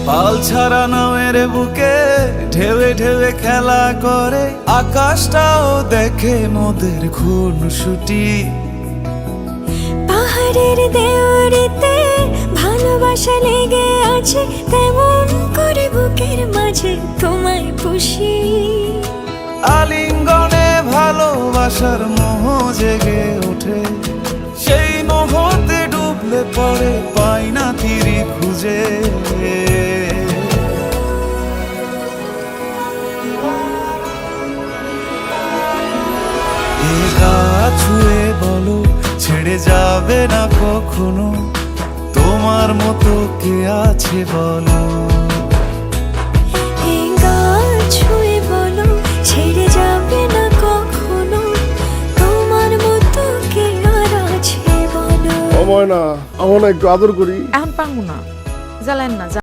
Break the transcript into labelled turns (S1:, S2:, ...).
S1: পাল ছাড়া নামের বুকে ঢেউে ঢেউে খেলা করে, আকাশটাও দেখে মোদের খুনসুটি।
S2: পাহাড়ের দেওয়ারিতে ভালোবাসা লেগে আছে, তেমন করে বুকের মাঝে তোমায় পুষি।
S1: আলিঙ্গনে ভালোবাসার মোহ জেগে ওঠে, সেই মোহতে ডুবলে পরে পাই না তীরে খুঁজে। এ গা ছুঁয়ে বলো ছেড়ে যাবে না কখনো, তোমার মতো কে আছে বলো।
S2: এই গা ছুঁয়ে বলো ছেড়ে যাবে না কখনো, তোমার মতো কে আর আছে বলো।
S3: ও ময়না, আমার না একটু আদর করি।
S4: এখন পারবো না, জ্বালেন না।